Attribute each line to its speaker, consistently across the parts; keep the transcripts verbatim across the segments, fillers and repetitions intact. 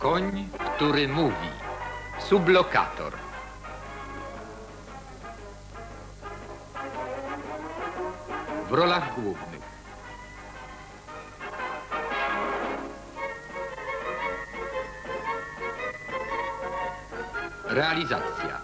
Speaker 1: Koń, który mówi. Sublokator. W rolach głównych realizacja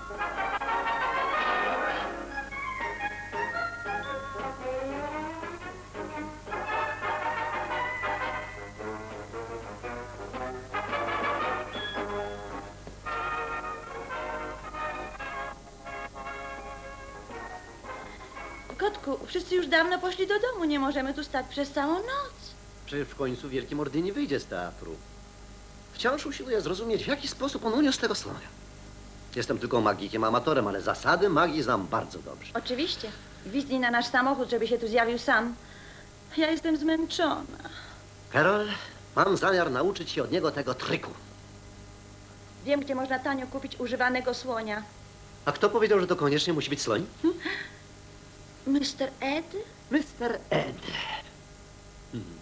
Speaker 2: Kotku, wszyscy już dawno poszli do domu. Nie możemy tu stać przez całą noc.
Speaker 3: Przecież w końcu Wielki Mordyni wyjdzie z teatru. Wciąż usiłuję zrozumieć, w jaki sposób on uniósł tego słonia. Jestem tylko magikiem, amatorem, ale zasady magii znam bardzo dobrze.
Speaker 2: Oczywiście. Gwizdnij na nasz samochód, żeby się tu zjawił sam. Ja jestem zmęczona.
Speaker 3: Karol, mam zamiar nauczyć się od niego tego triku.
Speaker 2: Wiem, gdzie można tanio kupić używanego słonia.
Speaker 3: A kto powiedział, że to koniecznie musi być sloń?
Speaker 2: mister Ed?
Speaker 3: mister Ed. Hmm.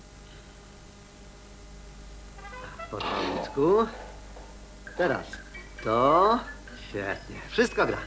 Speaker 3: W porządku. Teraz to... Świetnie. Wszystko gra.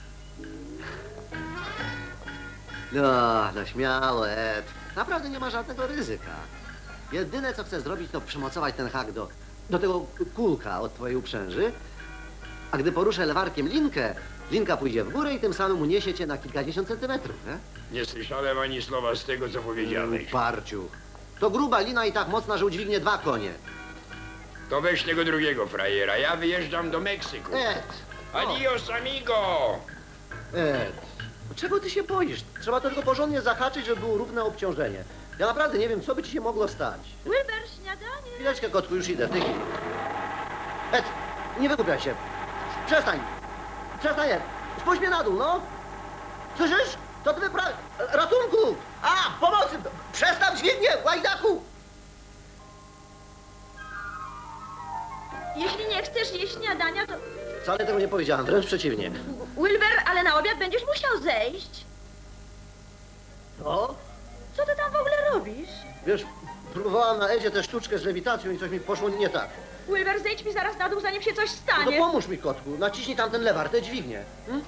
Speaker 3: No, no śmiało, Ed. Naprawdę nie ma żadnego ryzyka. Jedyne, co chcę zrobić, to przymocować ten hak do, do tego kulka od twojej uprzęży. A gdy poruszę lewarkiem linkę, linka pójdzie w górę i tym samym uniesie cię na kilkadziesiąt centymetrów, nie?
Speaker 4: Nie słyszałem ani słowa z tego, co powiedziałeś.
Speaker 3: Parciu. To gruba lina i tak mocna, że udźwignie dwa konie.
Speaker 4: To weź tego drugiego frajera. Ja wyjeżdżam do Meksyku.
Speaker 3: Ed!
Speaker 4: Adios, amigo!
Speaker 3: Ed, czego ty się boisz? Trzeba to tylko porządnie zahaczyć, żeby było równe obciążenie. Ja naprawdę nie wiem, co by ci się mogło stać.
Speaker 2: Wilber, śniadanie.
Speaker 3: Chwileczkę, kotku, już idę, w tej chwili. Ed, nie wygłupiaj się. Przestań. Przestań, Ed. Spójrz mnie na dół, no. Słyszysz? To ty wypra... Ratunku! A, pomocy! Przestań dźwignię, łajdaku!
Speaker 2: Jeśli nie chcesz jeść śniadania, to...
Speaker 3: Wcale tego nie powiedziałem, wręcz przeciwnie.
Speaker 2: Wilber, ale na obiad będziesz musiał zejść.
Speaker 3: No?
Speaker 2: Co ty tam w ogóle robisz?
Speaker 3: Wiesz, próbowałam na Edzie tę sztuczkę z lewitacją i coś mi poszło nie tak.
Speaker 2: Wilber, zejdź mi zaraz na dół, zanim się coś
Speaker 3: No to
Speaker 2: stanie.
Speaker 3: pomóż mi, kotku. Naciśnij tamten lewar, tę dźwignię. Hmm?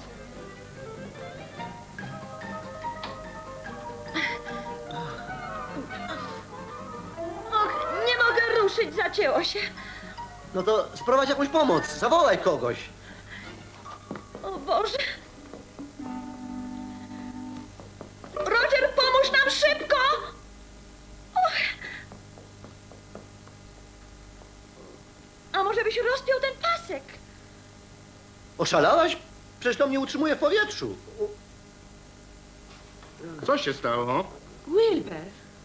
Speaker 2: Och, nie mogę ruszyć, zacięło się.
Speaker 3: No to sprowadź jakąś pomoc, zawołaj kogoś.
Speaker 2: O Boże. Roger, pomóż nam szybko! Och. A może byś rozpiął ten pasek?
Speaker 3: Oszalałaś? Przecież to mnie utrzymuje w powietrzu.
Speaker 4: Co się stało?
Speaker 2: Wilber.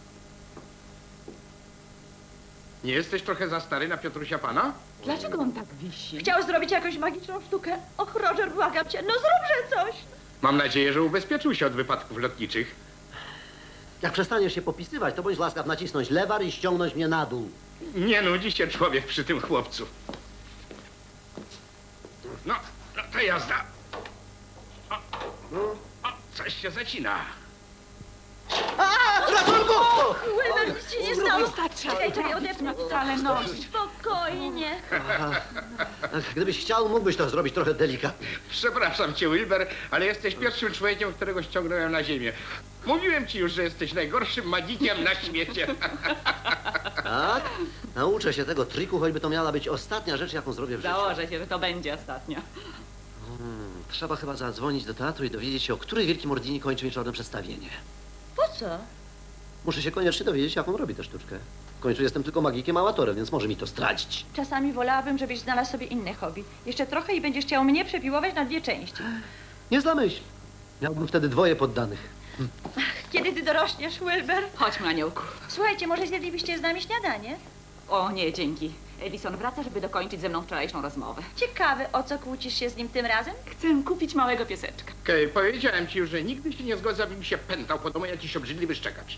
Speaker 4: Nie jesteś trochę za stary na Piotrusia Pana?
Speaker 5: Dlaczego on tak wisi?
Speaker 2: Chciał zrobić jakąś magiczną sztukę. Och, Roger, błagam cię, no zróbże coś.
Speaker 4: Mam nadzieję, że ubezpieczył się od wypadków lotniczych.
Speaker 3: Jak przestaniesz się popisywać, to bądź łaskaw nacisnąć lewar i ściągnąć mnie na dół.
Speaker 4: Nie nudzi się człowiek przy tym chłopcu. No, no to jazda. O, o, coś się zacina.
Speaker 3: A, ratunku!
Speaker 2: Wilber, nic ci nie stało.
Speaker 5: Wystarczy.
Speaker 2: Czekaj, czekaj, odepnę.
Speaker 5: Wcale nogi.
Speaker 2: Spokojnie.
Speaker 3: Ach, gdybyś chciał, mógłbyś to zrobić trochę delikatnie.
Speaker 4: Przepraszam cię, Wilber, ale jesteś pierwszym człowiekiem, którego ściągnąłem na ziemię. Mówiłem ci już, że jesteś najgorszym magikiem na świecie.
Speaker 3: Tak? Nauczę się tego triku, choćby to miała być ostatnia rzecz, jaką zrobię w życiu.
Speaker 5: Założę się, że to będzie ostatnia.
Speaker 3: Hmm, trzeba chyba zadzwonić do teatru i dowiedzieć się, o której Wielki Mordini kończy wieczorne przedstawienie.
Speaker 2: Po co?
Speaker 3: Muszę się koniecznie dowiedzieć, jak on robi tę sztuczkę. W końcu jestem tylko magikiem amatorem, więc może mi to zdradzić.
Speaker 2: Czasami wolałabym, żebyś znalazł sobie inne hobby. Jeszcze trochę i będziesz chciał mnie przepiłować na dwie części.
Speaker 3: Nie zamyśl. Miałbym wtedy dwoje poddanych.
Speaker 2: Kiedy ty dorośniesz, Wilber?
Speaker 5: Chodźmy, aniołku.
Speaker 2: Słuchajcie, może zjedlibyście z nami śniadanie?
Speaker 5: O nie, dzięki. Edison wraca, żeby dokończyć ze mną wczorajszą rozmowę.
Speaker 2: Ciekawe, o co kłócisz się z nim tym razem?
Speaker 5: Chcę kupić małego pieseczka.
Speaker 4: Okej, powiedziałem ci już, że nigdy się nie zgodzę, aby mi się pętał po domu jakiś obrzydliwy szczekacz.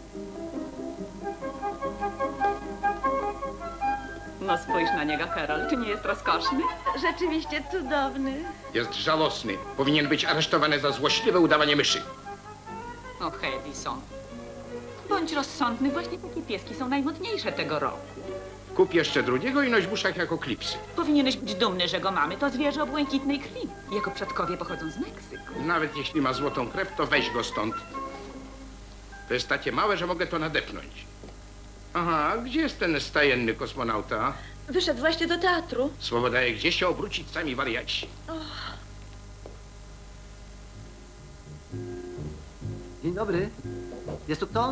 Speaker 5: No spójrz na niego, Karol. Czy nie jest rozkoszny?
Speaker 2: Rzeczywiście cudowny.
Speaker 4: Jest żałosny. Powinien być aresztowany za złośliwe udawanie myszy.
Speaker 5: Och, Edison. Bądź rozsądny, właśnie takie pieski są najmodniejsze tego roku.
Speaker 4: Kup jeszcze drugiego i noś w uszach jako klipsy.
Speaker 5: Powinieneś być dumny, że go mamy. To zwierzę o błękitnej krwi. Jego przodkowie pochodzą z Meksyku.
Speaker 4: Nawet jeśli ma złotą krew, to weź go stąd. To jest takie małe, że mogę to nadepnąć. Aha, gdzie jest ten stajenny kosmonauta?
Speaker 2: Wyszedł właśnie do teatru.
Speaker 4: Słowo daje, gdzie się obrócić sami wariaci.
Speaker 3: Dzień dobry. Jest tu kto?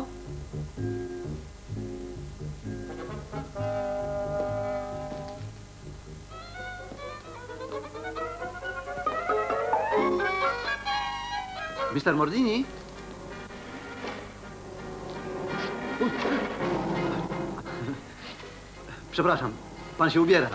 Speaker 3: mister Mordini? Uj. Przepraszam, pan się ubiera.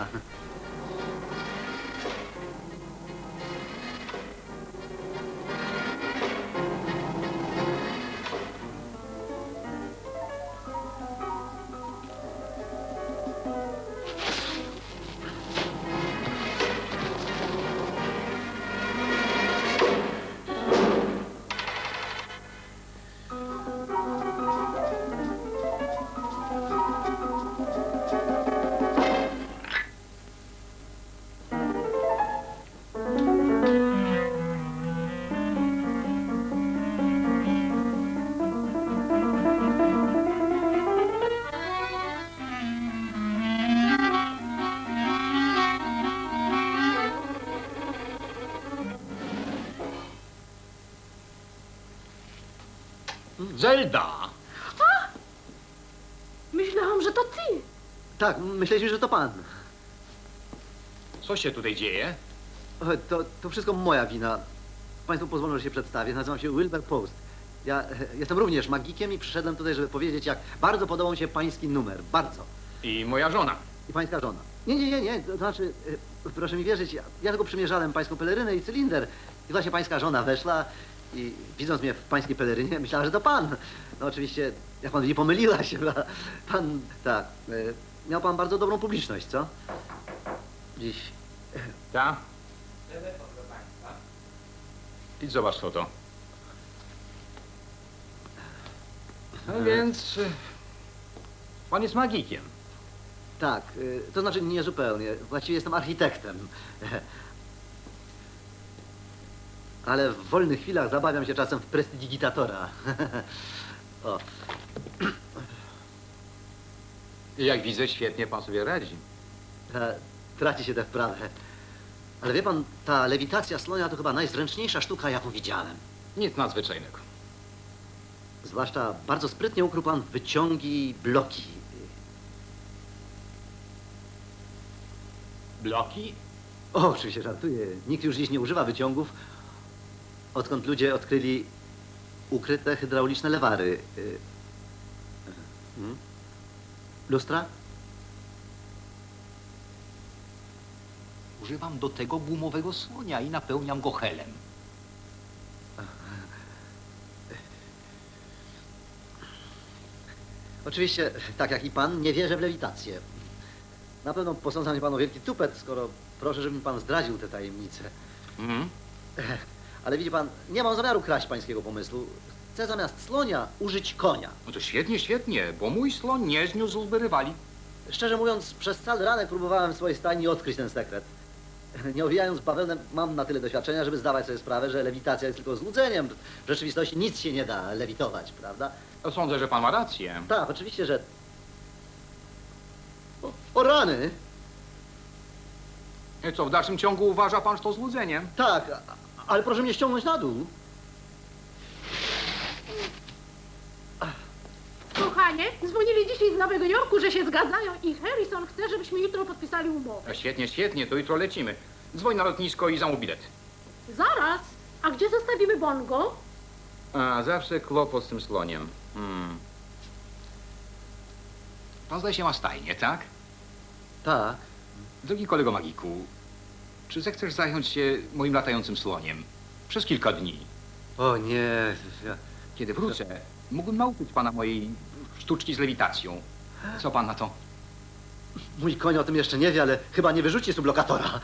Speaker 1: Zelda!
Speaker 6: Myślałam, że to ty.
Speaker 3: Tak, myśleliśmy, że to pan.
Speaker 1: Co się tutaj dzieje?
Speaker 3: O, To, to wszystko moja wina. Państwu pozwolą, że się przedstawię. Nazywam się Wilbur Post. Ja e, jestem również magikiem i przyszedłem tutaj, żeby powiedzieć, jak bardzo podobał mi się pański numer. Bardzo.
Speaker 1: I moja żona.
Speaker 3: I pańska żona. Nie, nie, nie, nie. To znaczy, e, proszę mi wierzyć, ja, ja tylko przymierzałem pańską pelerynę i cylinder. I właśnie pańska żona weszła i widząc mnie w pańskiej pelerynie, myślała, że to pan. No oczywiście, jak pan widzi, pomyliła się. Pan, tak. E, miał pan bardzo dobrą publiczność, co? Dziś.
Speaker 1: Ta? Idź zobacz co to. No więc... y, Pan jest magikiem.
Speaker 3: Tak, y, to znaczy nie zupełnie. Właściwie jestem architektem. Ale w wolnych chwilach zabawiam się czasem w prestidigitatora. O,
Speaker 1: I jak widzę, świetnie pan sobie radzi.
Speaker 3: e, traci się tę wprawę. Ale wie pan, ta lewitacja slonia to chyba najzręczniejsza sztuka, jaką widziałem.
Speaker 1: Nic nadzwyczajnego.
Speaker 3: Zwłaszcza bardzo sprytnie ukrył pan wyciągi i bloki.
Speaker 1: Bloki?
Speaker 3: O, oczywiście żartuję. Nikt już dziś nie używa wyciągów, odkąd ludzie odkryli ukryte hydrauliczne lewary. Y, hmm? Lustra?
Speaker 7: Używam do tego gumowego słonia i napełniam go helem.
Speaker 3: Oczywiście, tak jak i pan, nie wierzę w lewitację. Na pewno posądza mnie pan o wielki tupet, skoro proszę, żeby mi pan zdradził tę tajemnicę.
Speaker 1: Mhm.
Speaker 3: Ale widzi pan, nie mam zamiaru kraść pańskiego pomysłu. Chcę zamiast slonia użyć konia.
Speaker 1: No to świetnie, świetnie, bo mój slon nie zniósłby rywali.
Speaker 3: Szczerze mówiąc, przez cały ranek próbowałem w swojej stajni odkryć ten sekret. Nie owijając bawełnę, mam na tyle doświadczenia, żeby zdawać sobie sprawę, że lewitacja jest tylko złudzeniem. W rzeczywistości nic się nie da lewitować, prawda?
Speaker 1: No, sądzę, że pan ma rację.
Speaker 3: Tak, oczywiście, że... O, o rany!
Speaker 1: I co, w dalszym ciągu uważa pan, że to złudzenie?
Speaker 3: Tak, a- ale proszę mnie ściągnąć na dół.
Speaker 6: Kochanie, dzwonili dzisiaj z Nowego Jorku, że się zgadzają i Harrison chce, żebyśmy jutro podpisali umowę.
Speaker 1: No, świetnie, świetnie, to jutro lecimy. Dzwoń na lotnisko i zamów bilet.
Speaker 6: Zaraz, a gdzie zostawimy Bongo?
Speaker 1: A, zawsze kłopot z tym sloniem. Hmm. Pan zdaje się ma stajnię, tak?
Speaker 3: Tak.
Speaker 1: Drogi kolego magiku, czy zechcesz zająć się moim latającym sloniem? Przez kilka dni.
Speaker 3: O nie, ja...
Speaker 1: Kiedy wrócę, mógłbym nauczyć pana mojej sztuczki z lewitacją. Co pan na to?
Speaker 3: mój koń o tym jeszcze nie wie, ale chyba nie wyrzuci sublokatora.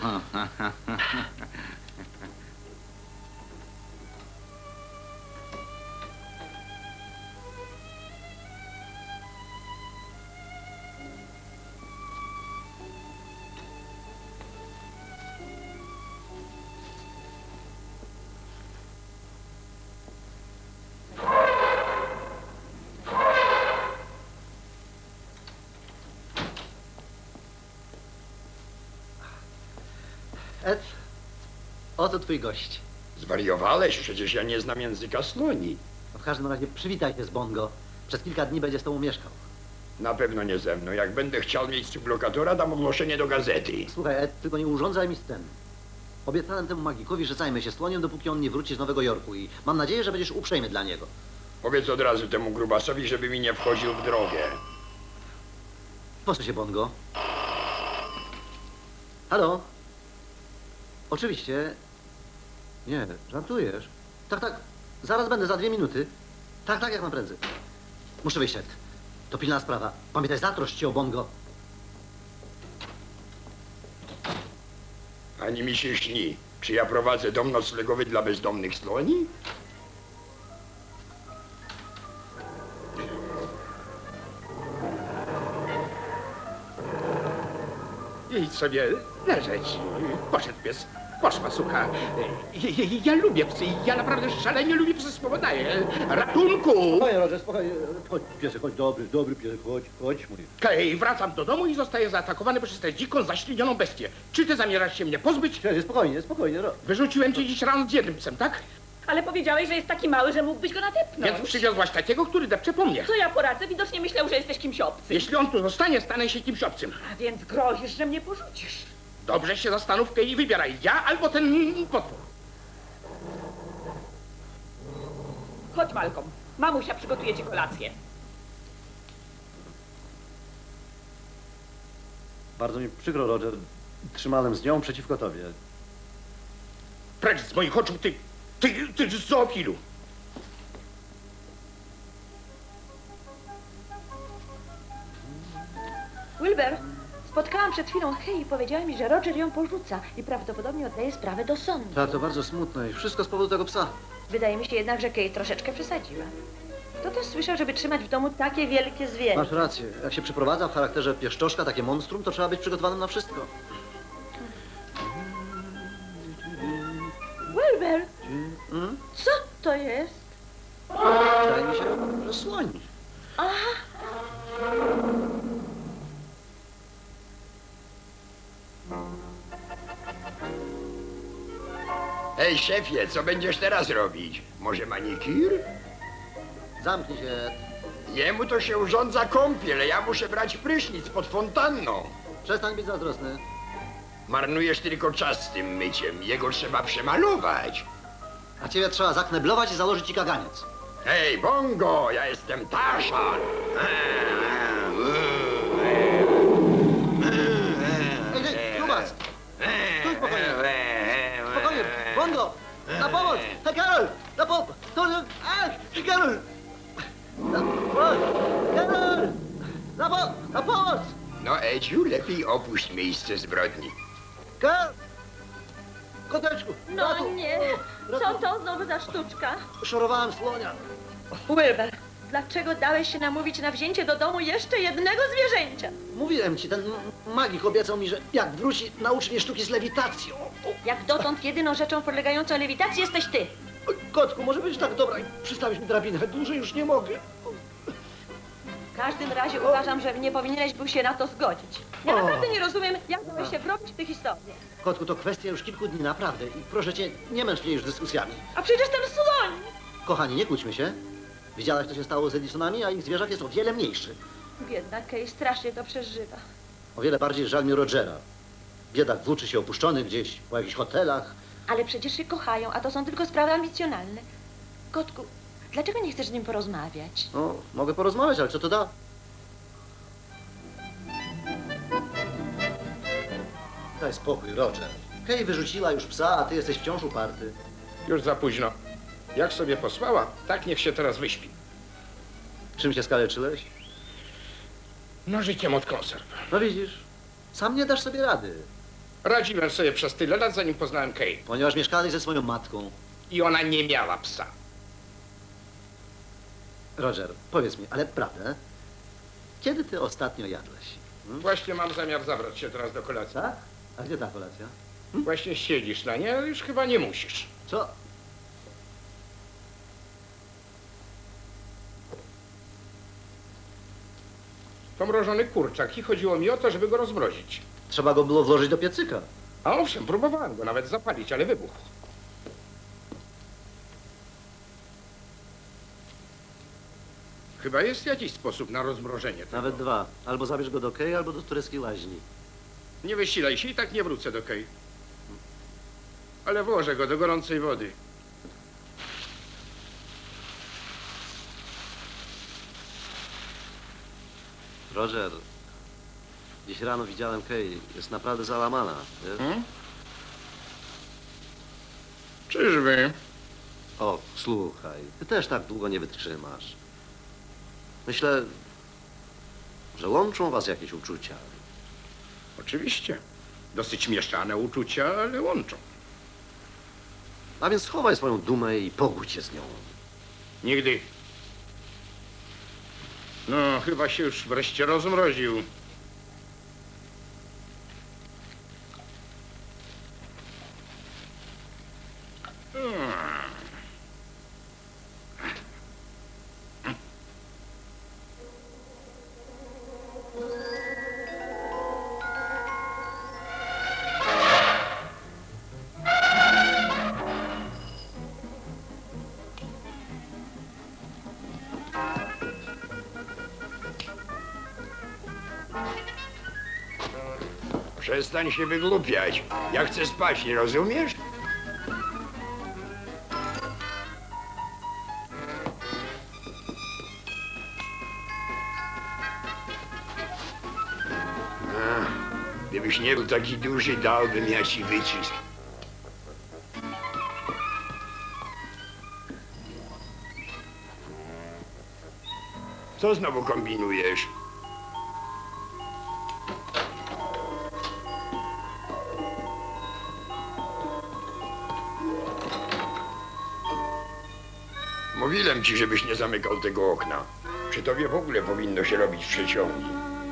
Speaker 3: Ed, oto twój gość.
Speaker 8: Zwariowałeś? Przecież ja nie znam języka słoni.
Speaker 3: No w każdym razie przywitaj się z Bongo. Przez kilka dni będzie z tobą mieszkał.
Speaker 8: Na pewno nie ze mną. Jak będę chciał mieć sublokatora, dam ogłoszenie do gazety.
Speaker 3: Słuchaj, Ed, tylko nie urządzaj mi scen. Obiecałem temu magikowi, że zajmę się słoniem, dopóki on nie wróci z Nowego Jorku i mam nadzieję, że będziesz uprzejmy dla niego.
Speaker 8: Powiedz od razu temu grubasowi, żeby mi nie wchodził w drogę.
Speaker 3: Po co się, Bongo? Halo? Oczywiście. Nie, żartujesz. Tak, tak. Zaraz będę, za dwie minuty. Tak, tak, jak najprędzej. Muszę wyjść, Ed. To pilna sprawa. Pamiętaj, zatroszcz się o Bongo.
Speaker 8: Ani mi się śni. Czy ja prowadzę dom noclegowy dla bezdomnych sloni?
Speaker 4: Idź sobie leżeć. Poszedł pies. Poszła sucha. Ja, ja, ja lubię psy. Ja naprawdę szalenie lubię psy. Spowodaję. Ratunku!
Speaker 3: Spokojnie, Roger, spokojnie. Chodź, piesek, chodź, dobry, dobry piesek, chodź, chodź, mój.
Speaker 4: Kej, wracam do domu i zostaję zaatakowany przez tę dziką, zaślinioną bestię. Czy ty zamierzasz się mnie pozbyć?
Speaker 3: Spokojnie, spokojnie, spokojnie. Ro...
Speaker 4: Wyrzuciłem cię dziś rano z jednym psem, tak?
Speaker 5: Ale powiedziałeś, że jest taki mały, że mógłbyś go nadepnąć.
Speaker 4: Więc przywiozłaś takiego, który depcze po mnie.
Speaker 5: Co ja poradzę? Widocznie myślał, że jesteś kimś obcym.
Speaker 4: Jeśli on tu zostanie, stanę się kimś obcym.
Speaker 5: A więc grozisz, że mnie porzucisz.
Speaker 4: Dobrze się zastanów, Kej, i wybieraj. Ja albo ten potwór.
Speaker 5: Chodź, Malcolm. Mamusia przygotuje ci kolację.
Speaker 3: Bardzo mi przykro, Roger. Trzymałem z nią przeciwko tobie.
Speaker 4: Precz z moich oczu, ty, ty, ty z zoofilu.
Speaker 2: Wilber, spotkałam przed chwilą Kay i powiedziała mi, że Roger ją porzuca i prawdopodobnie oddaje sprawę do sądu.
Speaker 3: Tak, to bardzo smutne i wszystko z powodu tego psa.
Speaker 2: Wydaje mi się jednak, że Kay troszeczkę przesadziła. Kto też słyszał, żeby trzymać w domu takie wielkie zwierzę?
Speaker 3: Masz rację. Jak się przyprowadza w charakterze pieszczoszka, takie monstrum, to trzeba być przygotowanym na wszystko.
Speaker 2: Wilber,
Speaker 3: Hmm?
Speaker 2: co to jest?
Speaker 3: Wydaje mi się, że słoń.
Speaker 8: Ej, szefie, co będziesz teraz robić? Może manikir?
Speaker 3: Zamknij się.
Speaker 8: Jemu to się urządza kąpiel, a ja muszę brać prysznic pod fontanną.
Speaker 3: Przestań być zazdrosny.
Speaker 8: Marnujesz tylko czas z tym myciem. Jego trzeba przemalować.
Speaker 3: A ciebie trzeba zakneblować i założyć ci kaganiec.
Speaker 8: Hej, Bongo, ja jestem Tarzan.
Speaker 3: Ej, ej, Grubas! Stój spokojnie. Spokojnie, Bongo! Na pomoc! Hej, Karol! Na pomoc! Ach, Karol! Na pomoc! Karol! Na, po na pomoc!
Speaker 8: No, Edziu, lepiej opuść miejsce zbrodni.
Speaker 3: Karol! Koteczku!
Speaker 2: No
Speaker 3: ratu!
Speaker 2: nie,
Speaker 3: Ratu!
Speaker 2: co to znowu za sztuczka?
Speaker 3: Szorowałem słonia.
Speaker 2: Wilber, dlaczego dałeś się namówić na wzięcie do domu jeszcze jednego zwierzęcia?
Speaker 3: Mówiłem ci, ten m- magik obiecał mi, że jak wróci, nauczy mnie sztuki z lewitacją.
Speaker 2: Jak dotąd jedyną rzeczą podlegającą lewitacji jesteś ty.
Speaker 3: Oj, kotku, może być tak dobra i przystawić mi drabinę. Dłużej już nie mogę.
Speaker 2: W każdym razie uważam, że nie powinieneś był się na to zgodzić. Ja
Speaker 3: O.
Speaker 2: naprawdę nie rozumiem, jak dałeś się wrobić w tę historię.
Speaker 3: Kotku, to kwestia już kilku dni, naprawdę. I proszę cię, nie męcz mnie już dyskusjami.
Speaker 2: A przecież ten słoń!
Speaker 3: Kochani, nie kłóćmy się. Widziałaś, co się stało z Edisonami, a ich zwierzak jest o wiele mniejszy.
Speaker 2: Biedna Kay strasznie to przeżywa.
Speaker 3: O wiele bardziej żal mi Rogera. Biedak włóczy się opuszczony gdzieś, po jakichś hotelach.
Speaker 2: Ale przecież się kochają, a to są tylko sprawy ambicjonalne. Kotku, dlaczego nie chcesz z nim porozmawiać?
Speaker 3: No, mogę porozmawiać, ale co to da? Daj spokój, Roger. Kay wyrzuciła już psa, a ty jesteś wciąż uparty.
Speaker 4: Już za późno. Jak sobie posłała, tak niech się teraz wyśpi.
Speaker 3: Czym się skaleczyłeś?
Speaker 4: Nożykiem od konserw.
Speaker 3: No widzisz, sam nie dasz sobie rady,
Speaker 4: Radziłem sobie przez tyle lat, zanim poznałem Kay.
Speaker 3: ponieważ mieszkałeś ze swoją matką.
Speaker 4: I ona nie miała psa.
Speaker 3: Roger, powiedz mi, ale prawdę, kiedy ty ostatnio jadłeś? Hmm?
Speaker 4: Właśnie mam zamiar zabrać się teraz do kolacji.
Speaker 3: Tak? A gdzie ta kolacja?
Speaker 4: Właśnie siedzisz na nie, ale już chyba nie musisz.
Speaker 3: Co?
Speaker 4: To mrożony kurczak i chodziło mi o to, żeby go rozmrozić.
Speaker 3: Trzeba go było włożyć do piecyka.
Speaker 4: A owszem, próbowałem go nawet zapalić, ale wybuchł. Chyba jest jakiś sposób na rozmrożenie tego.
Speaker 3: Nawet dwa. Albo zabierz go do Kej, albo do tureckiej łaźni.
Speaker 4: Nie wysilaj się i tak nie wrócę do Kej. Ale włożę go do gorącej wody.
Speaker 3: Roger, dziś rano widziałem Kej. Jest naprawdę załamana, wiesz?
Speaker 4: Hmm? Czyżby?
Speaker 3: O, słuchaj, ty też tak długo nie wytrzymasz. Myślę, że łączą was jakieś uczucia.
Speaker 4: Oczywiście. Dosyć mieszane uczucia, ale łączą.
Speaker 3: A więc schowaj swoją dumę i pogódź się z nią.
Speaker 4: Nigdy. No, chyba się już wreszcie rozmroził. Hmm.
Speaker 8: Przestań się wygłupiać. Ja chcę spać, nie rozumiesz? A, gdybyś nie był taki duży, dałbym ja ci wycisk. Co znowu kombinujesz? Mówiłem ci, żebyś nie zamykał tego okna. Przy tobie w ogóle powinno się robić przeciągi.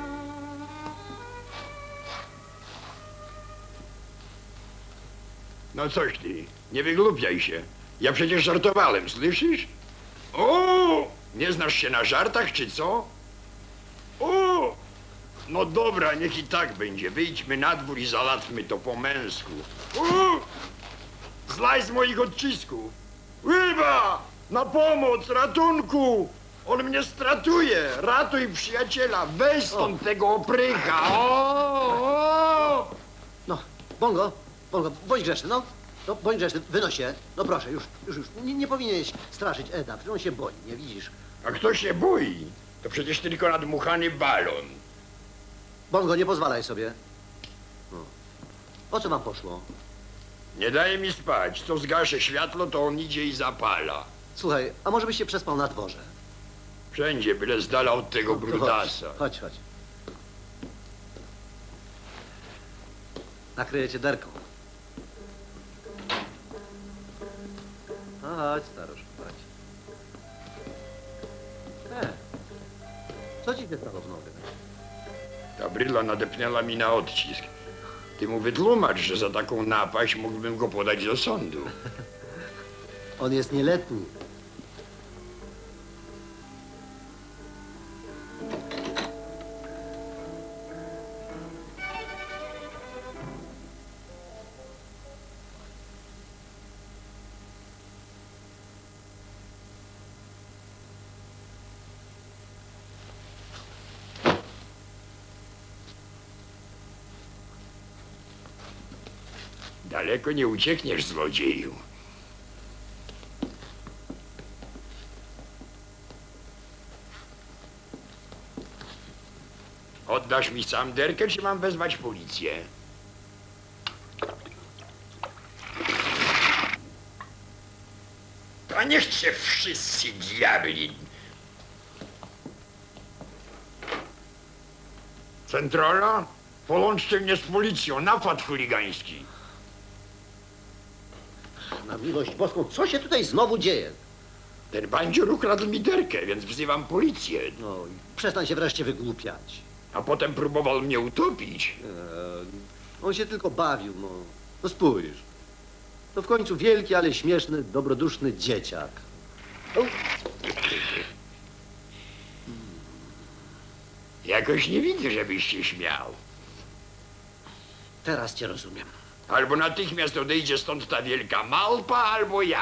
Speaker 8: No coś ty, nie wygłupiaj się. Ja przecież żartowałem, słyszysz? O! Nie znasz się na żartach, czy co? O! No dobra, niech i tak będzie. Wyjdźmy na dwór i załatwmy to po męsku. O! Zlaj z moich odcisków. Łyba! Na pomoc, ratunku! On mnie stratuje! Ratuj przyjaciela! Weź stąd tego oprycha! O, o!
Speaker 3: No, Bongo, Bongo, bądź grzeczny, no. No, bądź grzeczny, wynoś się. No proszę, już, już, już. Nie, nie powinieneś straszyć Eda, przecież on się boi, nie widzisz?
Speaker 8: A kto się boi? To przecież tylko nadmuchany balon.
Speaker 3: Bongo, nie pozwalaj sobie. No. O co wam poszło?
Speaker 8: Nie daje mi spać. Co zgaszę światło, to on idzie i zapala.
Speaker 3: Słuchaj, a może byś się przespał na dworze?
Speaker 8: Wszędzie, byle z dala od tego
Speaker 3: No,
Speaker 8: brudasa.
Speaker 3: Chodź, chodź. Nakryję cię derką. No chodź, staruszku, chodź. E, co ci się stało w nogę?
Speaker 8: Ta bryla nadepnęła mi na odcisk. Ty mu wytłumacz, że za taką napaść mógłbym go podać do sądu.
Speaker 3: On jest nieletni.
Speaker 8: Daleko nie uciekniesz, złodzieju. Oddasz mi sam derkę, czy mam wezwać policję? A niech się wszyscy diabli. Centrala? Połączcie mnie z policją, napad chuligański.
Speaker 3: Na miłość boską, co się tutaj znowu dzieje?
Speaker 8: Ten bandzior ukradł mi derkę, więc wzywam policję.
Speaker 3: No, i przestań się wreszcie wygłupiać.
Speaker 8: A potem próbował mnie utopić.
Speaker 3: E, on się tylko bawił, no. No spójrz. To w końcu wielki, ale śmieszny, dobroduszny dzieciak. O,
Speaker 8: Jakoś nie widzę, żebyś się śmiał.
Speaker 3: teraz cię rozumiem.
Speaker 8: Albo natychmiast odejdzie stąd ta wielka małpa, albo ja.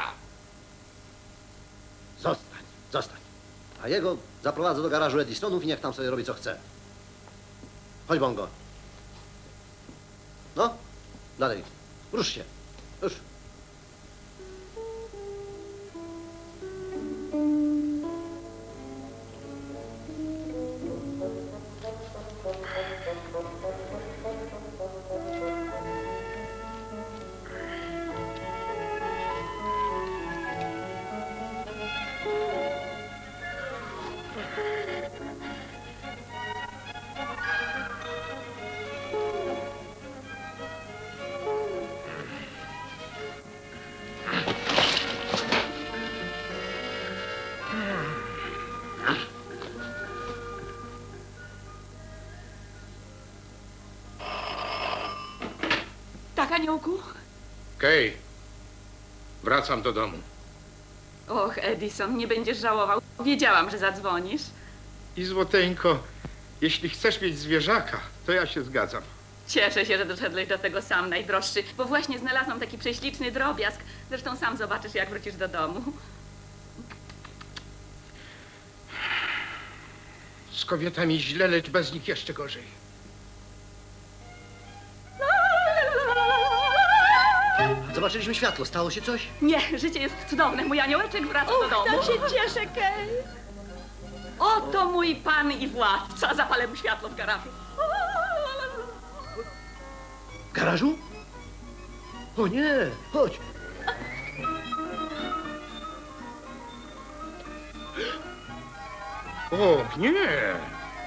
Speaker 3: Zostań, zostań. A jego zaprowadzę do garażu Edisonów i niech tam sobie robi co chce. Chodź, Bongo. No, dalej. Rusz się. Już.
Speaker 5: Tak, aniołku?
Speaker 4: Kej, wracam do domu.
Speaker 5: Och, Edison, nie będziesz żałował. Wiedziałam, że zadzwonisz.
Speaker 4: I złoteńko, jeśli chcesz mieć zwierzaka, to ja się zgadzam.
Speaker 5: Cieszę się, że doszedłeś do tego sam, najdroższy, bo właśnie znalazłam taki prześliczny drobiazg. Zresztą sam zobaczysz, jak wrócisz do domu.
Speaker 4: Z kobietami źle, lecz bez nich jeszcze gorzej.
Speaker 3: Zobaczyliśmy światło. Stało się coś?
Speaker 5: Nie, życie jest cudowne. Mój aniołeczek wraca do domu.
Speaker 2: Tak się cieszę, Kej.
Speaker 5: Oto mój pan i władca. Zapalę mu światło w garażu.
Speaker 3: W garażu? O nie, chodź.
Speaker 4: O, nie!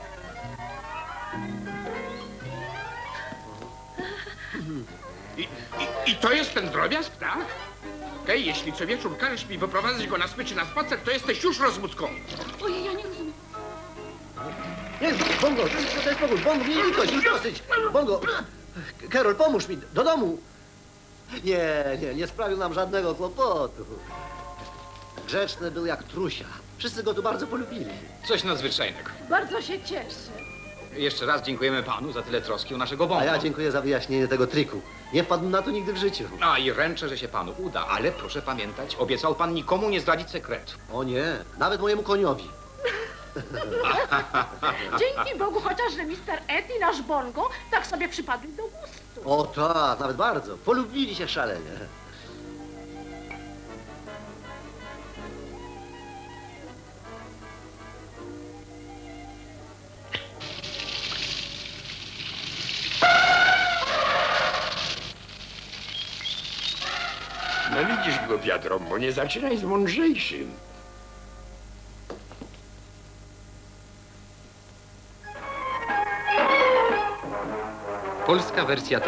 Speaker 4: I, i, I to jest ten drobiazg, tak? Kej, jeśli co wieczór każesz mi wyprowadzać go na smyczy na spacer, to jesteś już rozbudką.
Speaker 5: Ojej, ja nie rozumiem.
Speaker 3: Nie, Bongo, to jest, to jest pogód. Bongo, miej litość, już dosyć. Bongo, Karol, pomóż mi, do domu. Nie, nie, nie sprawił nam żadnego kłopotu. Grzeczny był jak trusia. Wszyscy go tu bardzo polubili.
Speaker 1: Coś nadzwyczajnego.
Speaker 6: Bardzo się cieszę.
Speaker 1: Jeszcze raz dziękujemy panu za tyle troski o naszego Bongo.
Speaker 3: A ja dziękuję za wyjaśnienie tego triku. Nie wpadł na to nigdy w życiu.
Speaker 1: A i ręczę, że się panu uda, ale proszę pamiętać, obiecał pan nikomu nie zdradzić sekretu.
Speaker 3: O nie, nawet mojemu koniowi.
Speaker 6: Dzięki Bogu chociaż, że mister Ed i nasz Bongo tak sobie przypadli do gustu.
Speaker 3: O tak, nawet bardzo. Polubili się szalenie.
Speaker 8: No widzisz, głupia trąbo, nie zaczynaj z mądrzejszym.
Speaker 1: Polska wersja